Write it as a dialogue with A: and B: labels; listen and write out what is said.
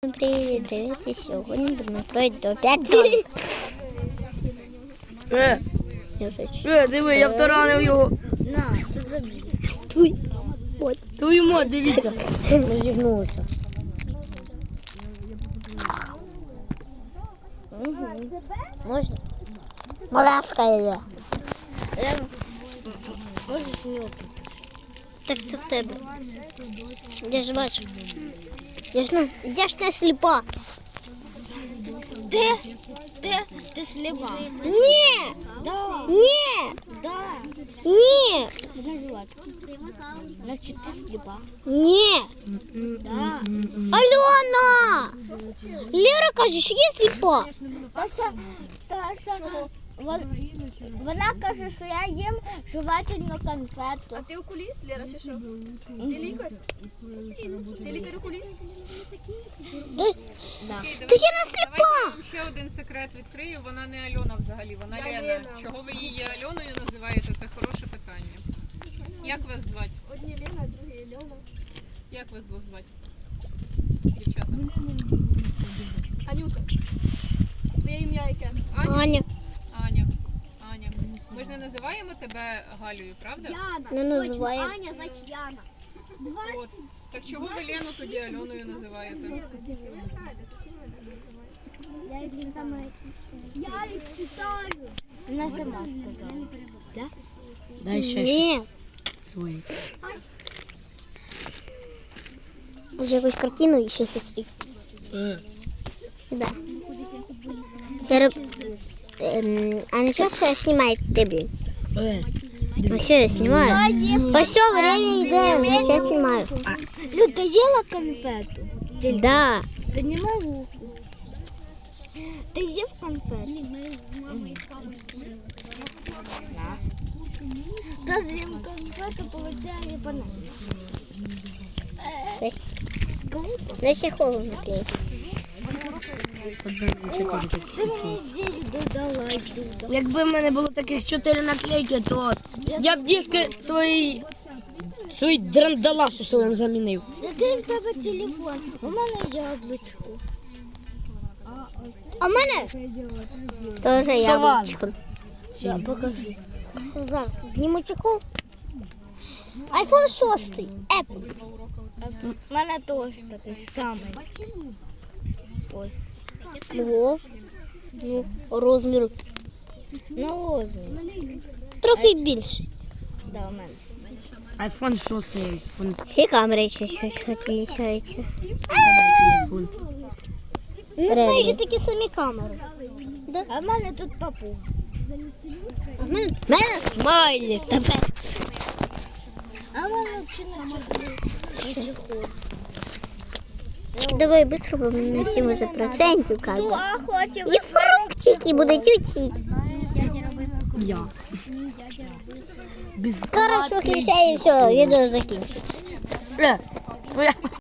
A: Привіт, привіт. І сьогодні будемо строїти опять домик.
B: Диви, я втаранив його.
A: На, це забій.
B: Твою мать, дивіться.
A: Ми зігнулися. Можна? Малашка йде. Можеш мені опитати? Так це в тебе. Я ж бачу. Я ж не сліпа. Ти сліпа? Ні!
C: Да.
A: Ні!
C: Да.
A: Ні!
C: Значит, ты слепа.
A: Ні!
C: Да.
A: Альона! Лера каже, що я сліпа.
C: Вона каже, що я їм жувательну конфету.
D: А ти окуліст, Лера, чи що? Ти лікар? Ти лікар-окуліст?
A: Та я не сліпа.
E: Давайте я вам ще один секрет відкрию. Вона не Альона взагалі, вона Лена. Чого ви її Альоною називаєте? Це хороше питання. Як вас звати?
D: Одні Лена, другі Альона.
E: Як вас двох звати? Дівчата.
D: Анюта. Твоє ім'я яке?
A: Аня,
E: Аня. Аня. Ми ж не називаємо тебе Галею, правда?
D: Яна.
A: не називає.
D: Аня, значить Яна.
E: От. Так чого ви Лену тоді Альоною називаєте?
D: Я їх читаю.
C: Вона сама сказала.
B: Дай ще
A: Ні.
B: свої.
A: Може якусь картину і ще сестрі. Да. А ну что я снимаю тебе? Ну что я снимаю? По все время идем, сейчас снимаю.
C: Люд, ты ела конфету?
A: Да.
C: Поднимай руку. Ты ел конфету? Да. Ты съел конфету, получая банан.
A: На чехол наклеить.
C: Ти мені ідею додала, Люда.
B: Якби в мене було таких 4 наклейки, то я б диски свої драндаласу своїм замінив.
C: Який в тебе телефон? У мене яблучко.
A: А в мене тоже яблочко.
C: Да, покажи.
A: Зараз зніму чехол. Айфон 6. Apple.
C: У мене теж такий самий. Ось.
A: Ого. Ну, розміру.
C: На розмір.
A: Трохи більший.
C: Да, у мене.
B: Айфон 6, айфон.
A: І камери ще щось відрізняються.
B: Телефон.
A: Ну, майже такі самі камери.
C: А в мене тут папуга.
A: А в мене смайлик тепер.
C: А в мене взагалі не чехол.
A: Давай быстро, бо ми на 70% как бы.
C: А хочемо.
A: І фруктики будуть учити.
B: Я. Без
A: Хорошо, включай і все, відео закінчиться.
B: Твоя